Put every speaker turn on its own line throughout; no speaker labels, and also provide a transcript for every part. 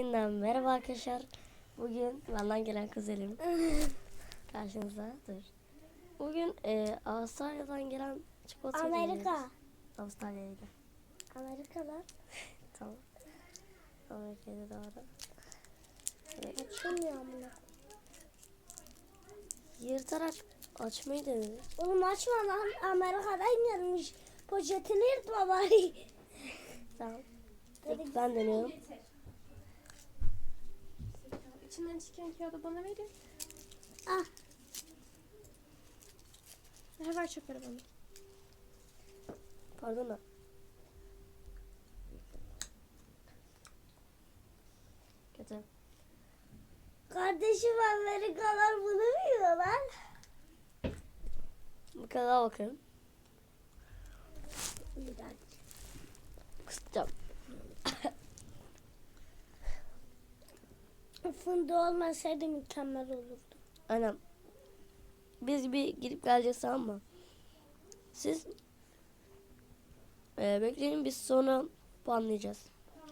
Yeniden merhaba arkadaşlar. Bugün benden gelen kuzenim karşınızda. Dur. Bugün Avustralya'dan gelen çikolata
Amerika.
Avustralya'ydı.
Amerika'dan.
Tamam. Amerika'da doğru.
Açılmıyor bunu.
Yırtarak açmayı denedim.
Oğlum açma lan. Amerika'dan gelmiş. Poşetini yırtma bari.
Tamam. Ben deniyorum.
İçinden çıkan kağıdı bana verin.
Ah.
Ver çöpleri bana.
Pardon da. Kötü.
Kardeşim Amerikalılar bunu biliyorlar.
Bu kadar bakın.
Bir dakika.
Kusacağım.
Fındık olmasaydı mükemmel olurdu.
Aynen. Biz bir gidip geleceğiz, tamam mı? Siz bekleyin, biz sonra puanlayacağız.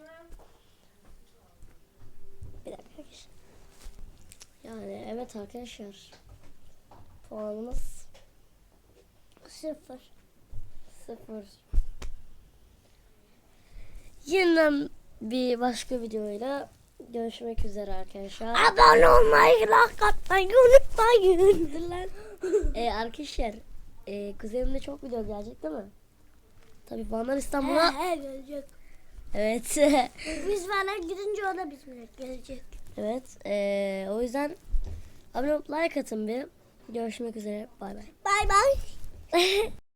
Bir dakika arkadaşlar. Yani evet arkadaşlar. Puanımız
0.
0. Yeniden bir başka videoyla görüşmek üzere arkadaşlar.
Abone olmayı, like atmayı unutmayın.
Arkadaşlar kuzenimde çok video gelecek değil mi? Tabii Van'dan İstanbul'a.
He gelecek.
Evet.
Biz bana gidince o da bizimle gelecek.
Evet. O yüzden abone olup like atın bir. Görüşmek üzere. Bay bay.
Bay bay.